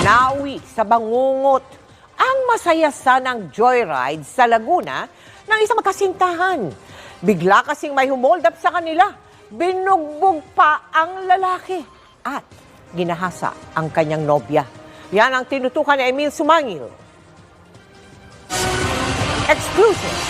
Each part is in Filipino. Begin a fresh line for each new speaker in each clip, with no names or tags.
Nawi sa bangungot ang masaya sanang joyride sa Laguna ng isang magkasintahan. Bigla kasing may humold up sa kanila. Binugbog pa ang lalaki at ginahasa ang kanyang nobya. Yan ang tinutukan ni Emil Sumangil. Exclusive.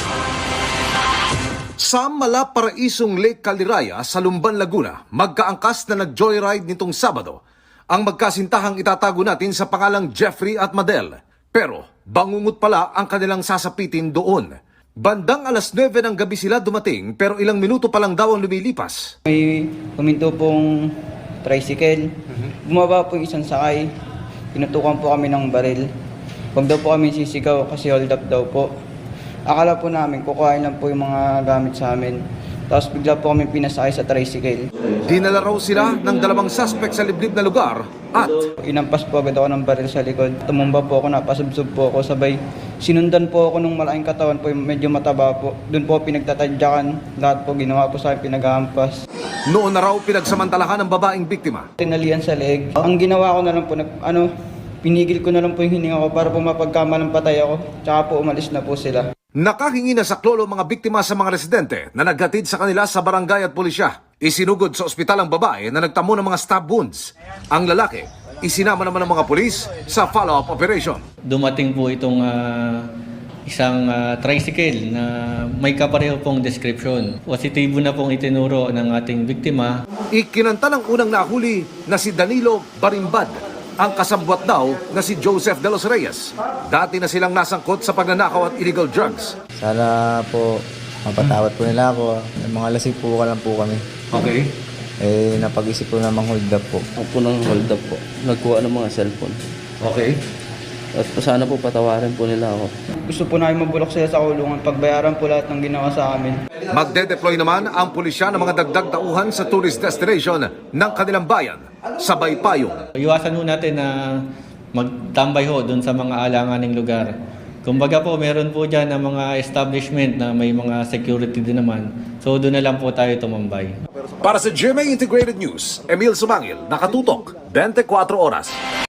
Sa Malaparaisong Lake Caliraya sa Lumban, Laguna, magkaangkas na nag-joyride nitong Sabado. Ang magkasintahang itatago natin sa pangalang Jeffrey at Madel. Pero bangungot pala ang kanilang sasapitin doon. Bandang alas 9 ng gabi sila dumating pero ilang minuto pa lang daw ang lumilipas.
May huminto pong tricycle. Bumaba po yung isang sakay. Pinutukan po kami ng baril. Huwag daw po kami sisigaw kasi hold up daw po. Akala po namin kukuhain lang po yung mga gamit sa amin. Tapos bigla po kami pinasakay sa tricycle.
Dinala raw sila ng dalawang suspect sa liblib na lugar at
Inampas po agad ako ng baril sa likod. Tumumba po ako, napasubsob po ako. Sabay sinundan po ako ng malaking katawan po, medyo mataba po. Doon po pinagtatadyakan. Lahat po ginawa po sa akin, pinaghahampas.
noon na raw pinagsamantalahan ng babaeng biktima.
Tinalian sa leeg. Ang ginawa ko na lang po, pinigil ko na lang po yung hininga ko para po mapagkamalang patay ako. Tsaka po umalis na po sila.
Nakahingi na sa klolo mga biktima sa mga residente na naghatid sa kanila sa barangay at pulisya. Isinugod sa ospital ang babae na nagtamo ng mga stab wounds. Ang lalaki, isinama naman ng mga pulis sa follow-up operation.
Dumating po itong isang tricycle na may kapareho pong description. Positibo na pong itinuro ng ating biktima.
Ikinanta ng unang nahuli na si Danilo Barimbad. Ang kasabwat daw na si Joseph de los Reyes. Dati na silang nasangkot sa pagnanakaw at illegal drugs.
Sana po mapatawad po nila ako. Mga lasing po ka lang po kami.
Okay.
Napag-isip po namang hold up po.
Ako po ng hold up po. Nagkuha ng mga cellphone.
Okay.
At sana po patawarin po nila ako.
Gusto po namin mabulok sila sa kulungan. Pagbayaran po lahat ng ginawa sa amin.
Magde-deploy naman ang pulisya ng mga dagdag tauhan sa tourist destination ng kanilang bayan sa Baypayong.
Iwasan ho natin na magtambay ho doon sa mga alanganing lugar. Kumbaga po, meron po dyan na mga establishment na may mga security din naman. So doon na lang po tayo tumambay.
Para sa GMA Integrated News, Emil Sumangil, nakatutok, 24 oras.